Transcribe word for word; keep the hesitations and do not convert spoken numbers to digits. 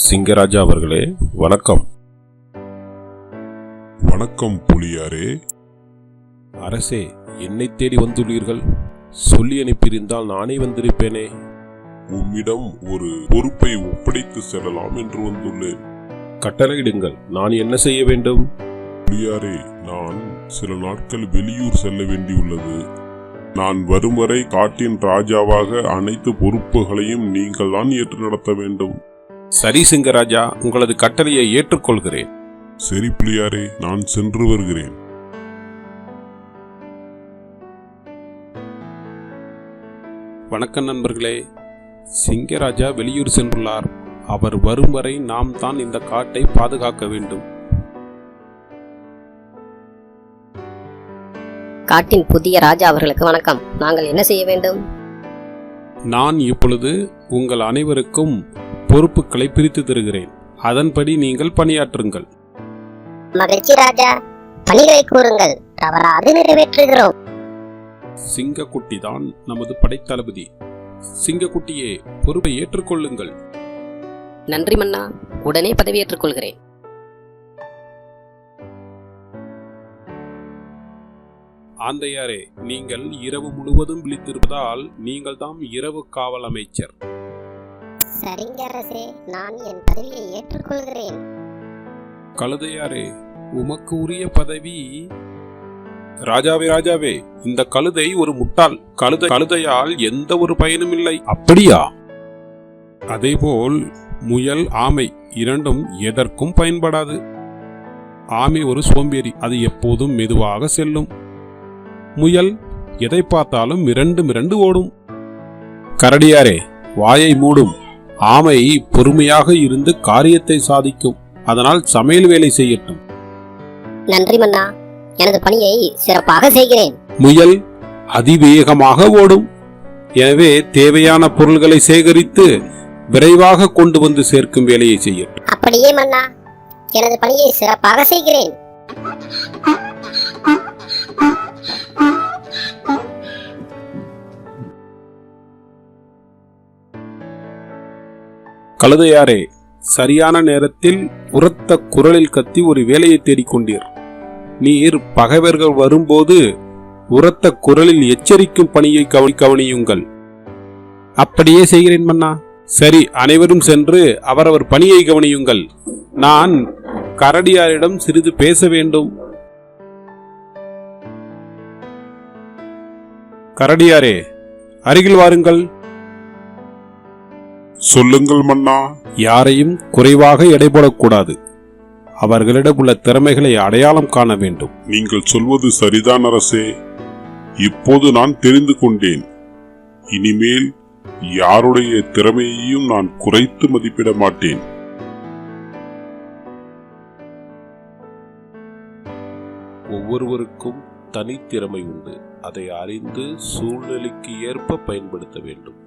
சிங்கராஜா அவர்களே, வணக்கம். வணக்கம் புலியாரே. அரசே, என்னை தேடி வந்துள்ளீர்கள். சொல்லி அனுப்பியிருந்தால் நானே வந்திருப்பேனே. உம்மிடம் ஒரு பொறுப்பை ஒப்படைத்து செல்லலாம் என்று வந்துள்ளேன். கட்டளையிடுங்கள். நான் என்ன செய்ய வேண்டும்? புலியாரே, நான் சில நாட்கள் வெளியூர் செல்ல வேண்டியுள்ளது. நான் வரும் வரை காட்டின் ராஜாவாக அனைத்து பொறுப்புகளையும் நீங்கள் தான் ஏற்று நடத்த வேண்டும். சரி சிங்கராஜா, உங்களது கட்டளையை ஏற்றுக்கொள்கிறேன். சரி புலியாரே, நான் சென்று வருகிறேன். வணக்கம் நண்பர்களே. சிங்கராஜா வெளியூர் சென்றுள்ளார். அவர் வரும் வரை நாம் தான் இந்த காட்டை பாதுகாக்க வேண்டும். காட்டின் புதிய ராஜா அவர்களுக்கு வணக்கம். நாங்கள் என்ன செய்ய வேண்டும்? நான் இப்பொழுது உங்கள் அனைவருக்கும் பொறுப்புகளை பிரித்து தருகிறேன். அதன்படி நீங்கள் பணியாற்றுங்கள். மகிழ்ச்சி ராஜா, பணிகளை கூறுங்கள், தவறாது நிறைவேற்றுகிறோம். சிங்கக்குட்டி தான் நமது படைத்தளபதி. சிங்கக்குட்டியே, பொறுப்பை ஏற்றுக்கொள்ளுங்கள். நன்றி மன்னா, உடனே பதவியேற்றுக் கொள்கிறேன். ஆந்தையாரே, நீங்கள் இரவு முழுவதும் விழித்திருப்பதால் நீங்கள் தாம் இரவு காவல் அமைச்சர். சரிங்க அரசே, நான் என் பதவியை ஏற்றுக்கொள்கிறேன். கழுதையாரே, உமக்கு உரிய பதவி. ராஜாவே ராஜாவே, இந்த கழுதை ஒரு முட்டாள். கழுதை கழுதையால் எந்த ஒரு பயனும் இல்லை. அப்படியா? அதேபோல் முயல், ஆமை இரண்டும் எதற்கும் பயன்படாது. ஆமை ஒரு சோம்பேறி, அது எப்போதும் மெதுவாக செல்லும். முயல் எதை பார்த்தாலும் மிரண்டு மிரண்டு ஓடும். கரடியாரே, வாயை மூடும். ஆமை பொறுமையாக இருந்து காரியத்தை சாதிக்கும். அதனால் சமையல் வேலை செய்யட்டும். நன்றி மன்னா, எனது பணியை சிறப்பாக செய்கிறேன். முயல் அதிவேகமாக ஓடும். எனவே தேவையான பொருள்களை சேகரித்து விரைவாக கொண்டு வந்து சேர்க்கும் வேலையை செய்யட்டும். அப்படியே மன்னா, எனது பணியை சிறப்பாக செய்கிறேன். கழுதையாரே, சரியான நேரத்தில் உரத்த குரலில் கத்தி ஒரு வேலையை தேடிக்கொண்டீர். நீர் பகைவர்கள் வரும்போது உரத்த குரலில் எச்சரிக்கும் பணியை கவனி கவனியுங்கள். அப்படியே செய்கிறேன் மன்னா. சரி, அனைவரும் சென்று அவரவர் பணியை கவனியுங்கள். நான் கரடியாரிடம் சிறிது பேச வேண்டும். கரடியாரே, அருகில் வாருங்கள். சொல்லுங்கள் மன்னா. யாரையும் குறைவாக எடை போடக்கூடாது. அவர்களிடம் உள்ள திறமைகளை அடையாளம் காண வேண்டும். நீங்கள் சொல்வது சரிதான் அரசே. இப்போது நான் தெரிந்து கொண்டேன். இனிமேல் யாருடைய திறமையையும் நான் குறைத்து மதிப்பிட மாட்டேன். ஒவ்வொருவருக்கும் தனித்திறமை உண்டு. அதை அறிந்து சூழ்நிலைக்கு ஏற்ப பயன்படுத்த வேண்டும்.